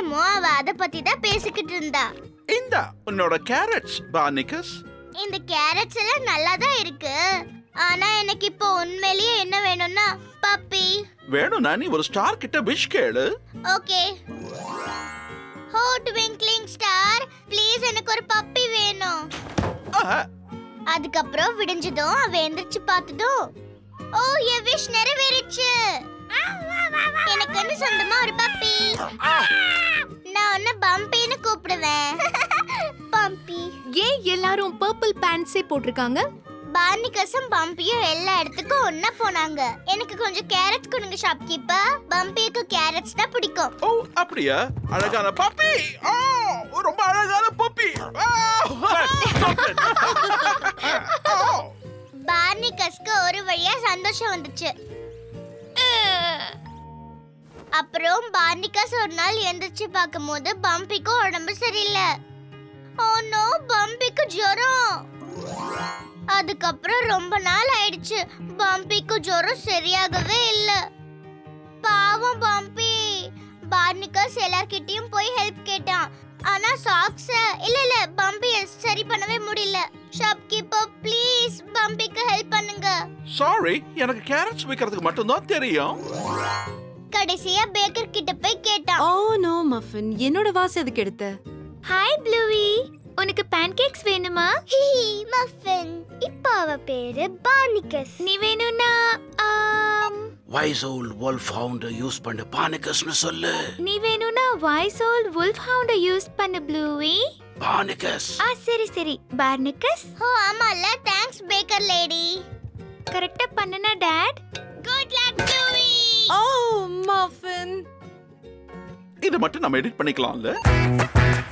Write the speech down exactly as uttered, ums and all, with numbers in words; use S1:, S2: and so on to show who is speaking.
S1: நிமிஷமும் அவ அத பத்தி தான் பேசிக்கிட்டு இருந்தா.
S2: இந்த உன்னோட கேரட்ஸ் பார்னிகஸ்.
S1: இந்த கேரட்ஸ் எல்லாம் நல்லா தான் இருக்கு. ஆனா எனக்கு இப்போ உண்மையிலேயே என்ன வேணும்னா பப்பி
S2: வேணும்னா நீ ஒரு ஸ்டார் கிட்ட விஷ் கேளு.
S1: ஓகே. ஹோ ட்விங்க்லிங் ஸ்டார், ப்ளீஸ் எனக்கு ஒரு பப்பி வேணும். அதுக்கப்புறம் விடிஞ்சதும் அவ எந்திரிச்சு பார்த்ததும், ஓ என் விஷ் நிறைவேறிச்சு. எனக்கு சொந்தமா ஒரு பப்பி. நான் உன்னை பம்பின்னு கூப்பிடுவேன். பம்பி.
S3: ஏன் எல்லாரும் பர்பிள் பேண்ட்ஸே போட்டிருக்காங்க?
S1: பார்னிகஸும் பம்பியும் எல்லா இடத்துக்கும் ஒண்ணா போனாங்க. எனக்கு கொஞ்சம் கேரட்ஸ் கொடுங்க ஷாப்கீப்பர். பம்பிக்கு கேரட்ஸ் தான் பிடிக்கும்.
S2: ஓ அப்படியா? அழகான பப்பி. ஓ ரொம்ப அழகான பப்பி.
S1: பார்னிகஸ்க்கு ஒரு வழியா சந்தோஷம் வந்துச்சு. அப்புறம் பார்னிகஸ் ஒரு நாள் எந்திரிச்சு பார்க்கும்போது பம்பிக்கு உடம்பு சரியில்லை. ஓ நோ, பம்பிக்கு ஜுரம். அதுக்கப்புறம் ரொம்ப நாள் ஆயிடுச்சு. பம்பிக்கு ஜுரம் சரியாகவே இல்ல. பாவம் பம்பி. பார்னிகஸ் எல்லார்கிட்டயும் போய் ஹெல்ப் கேட்டான். ஆனா சாக்ஸ் இல்ல இல்ல பம்பி சரி பண்ணவே முடியல. ஷாப்கீப்பர் ப்ளீஸ் பம்பிக்கு ஹெல்ப் பண்ணுங்க.
S2: சாரி, எனக்கு கேரட்ஸ் விக்கிறதுக்கு மட்டும் தான் தெரியும்.
S1: கடைசியா பேக்கர் கிட்ட போய் கேட்டான்.
S3: ஓ நோ மஃபின், என்னோட வாசி அதுக்கு எடுத்த.
S1: ஹாய் ப்ளூவி, உனக்கு pancakes வேணுமா? ஹிஹி மஃபின். இப்போ அவ பேரு பார்னிகஸ். நீ வேணும்னா
S2: வைசோல் wolf hound யூஸ் பண்ண பார்னிகஸ்னு சொல்லு.
S1: நீ வேணும்னா வைசோல் wolf hound யூஸ் பண்ணு ப்ளூவி.
S2: பார்னிகஸ்.
S1: ஆ சரி சரி பார்னிகஸ். ஓ ஆமால, தேங்க்ஸ் பேக்கர் லேடி. கரெக்ட்டா பண்ணுனா டாட். Good luck Bluey.
S3: ஓ மஃபின்,
S2: இத மட்டும் நம்ம எடிட் பண்ணிக்கலாம்ல.